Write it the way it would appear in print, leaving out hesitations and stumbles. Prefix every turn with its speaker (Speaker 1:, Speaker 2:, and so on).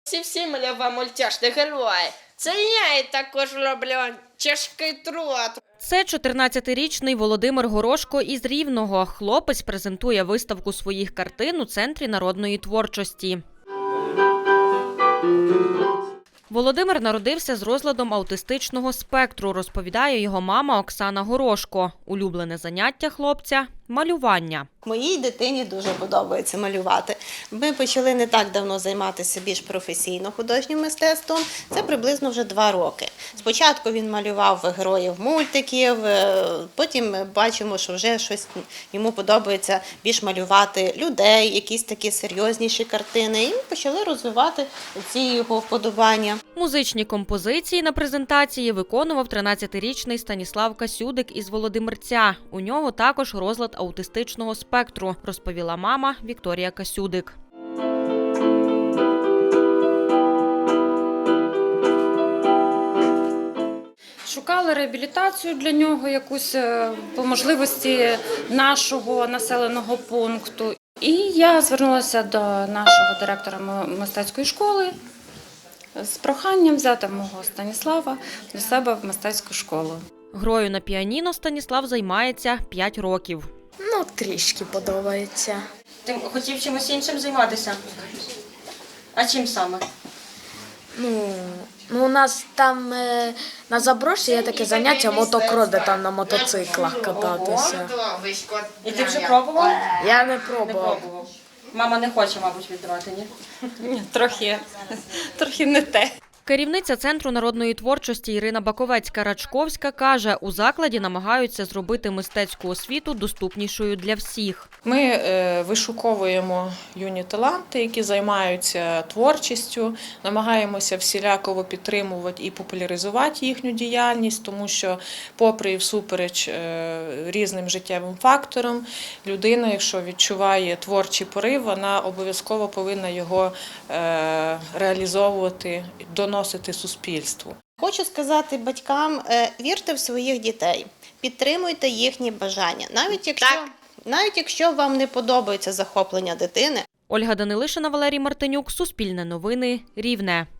Speaker 1: Всі малював мультяшних героїв. Це я і також роблю тяжкий труд.
Speaker 2: Це 14-річний Володимир Горошко із Рівного. Хлопець презентує виставку своїх картин у Центрі народної творчості. Володимир народився з розладом аутистичного спектру, розповідає його мама Оксана Горошко. Улюблене заняття хлопця – малювання.
Speaker 3: Моїй дитині дуже подобається малювати. Ми почали не так давно займатися більш професійно художнім мистецтвом. Це приблизно вже 2 роки. Спочатку він малював героїв мультиків, потім ми бачимо, що вже щось йому подобається більш малювати людей, якісь такі серйозніші картини. І ми почали розвивати ці його вподобання.
Speaker 2: Музичні композиції на презентації виконував 13-річний Станіслав Касюдик із Володимирця. У нього також розлад аутистичного спектру, розповіла мама Вікторія Касюдик.
Speaker 4: Шукали реабілітацію для нього, якусь по можливості нашого населеного пункту. І я звернулася до нашого директора мистецької школи з проханням взяти мого Станіслава до себе в мистецьку школу.
Speaker 2: Грою на піаніно Станіслав займається 5 років.
Speaker 5: Трішки подобається.
Speaker 1: Ти хотів чимось іншим займатися? А чим саме?
Speaker 5: У нас там на заброші є таке заняття мотокрос, де там на мотоциклах кататися.
Speaker 1: І ти вже пробував?
Speaker 5: Я не пробував.
Speaker 1: Мама не хоче, мабуть, віддавати, ні?
Speaker 4: Ні, трохи не те.
Speaker 2: Керівниця Центру народної творчості Ірина Баковецька-Рачковська каже, у закладі намагаються зробити мистецьку освіту доступнішою для всіх.
Speaker 6: Ми вишуковуємо юні таланти, які займаються творчістю, намагаємося всіляково підтримувати і популяризувати їхню діяльність, тому що, попри і всупереч різним життєвим факторам, людина, якщо відчуває творчий порив, вона обов'язково повинна його реалізовувати, доносити суспільству.
Speaker 3: Хочу сказати батькам, вірте в своїх дітей, підтримуйте їхні бажання, навіть якщо вам не подобається захоплення дитини.
Speaker 2: Ольга Данилишина, Валерій Мартинюк, Суспільне новини, Рівне.